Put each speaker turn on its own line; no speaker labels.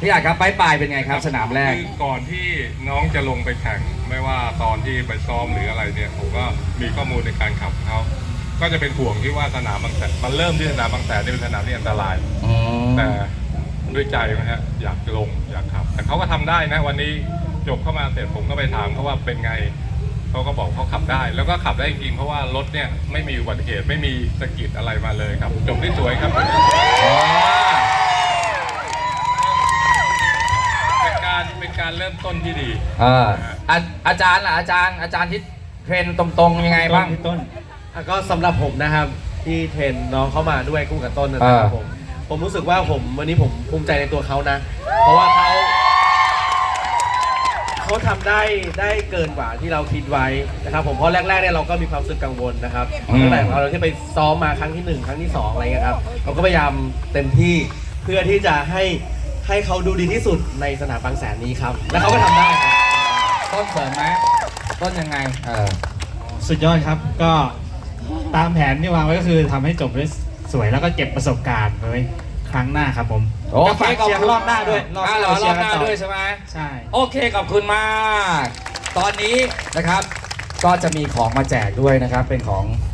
พี่อาจครับปลายเป็นไงครับสนามแรก
คือก่อนที่น้องจะลงไปแข่งไม่ว่าตอนที่ไปซ้อมหรืออะไรเนี่ยผมก็มีข้อมูลในการขับเขาก็จะเป็นห่วงที่ว่าสนามบางแสนมันเริ่มที่สนามบางแสนที่เป็นสนามที่อันตรายแต่ด้วยใจนะฮะอยากลงอยากขับแต่เขาก็ทำได้นะวันนี้จบเข้ามาเสร็จผมก็ไปถามเขาว่าเป็นไงเขาก็บอกเขาขับได้แล้วก็ขับได้จริงเพราะว่ารถเนี่ยไม่มีอุบัติเหตุไม่มีสะกิดอะไรมาเลยครับจบได้สวยครับเป็นการเริ่มต้นที่ดี
อาจารย์ล่ะอาจารย์ที่เทรนตรงๆยังไงบ้าง
ต้นก็สำหรับผมนะครับที่เทรนน้องเข้ามาด้วยคู่กับต้นนะครับผมรู้สึกว่าวันนี้ผมภูมิใจในตัวเขานะเพราะว่าเขาทำได้เกินกว่าที่เราคิดไว้นะครับผมเพราะแรกๆเนี่ยเราก็มีความรู้สึกกังวลนะครับตั้งแต่เราที่ไปซ้อมมาครั้งที่1ครั้งที่2อะไรเงี้ยครับเราก็พยายามเต็มที่เพื่อที่จะให้เขาดูดีที่สุดในสนามบางแสนนี้ครับและเขาก็ทำได้ครับ
ต้นเสริมไหมต้นยังไง
สุดยอดครับก็ตามแผนที่วางไว้ก็คือทำให้จบได้สวยแล้วก็เก็บประสบการณ์ไว้ครั้งหน้าครับผม
โอเคขอบคุณ
รอบหน้าด้วย
รอบหน้าด้วยใช่ไหม
ใช่
โอเคขอบคุณมากตอนนี้นะครับก็จะมีของมาแจกด้วยนะครับเป็นของ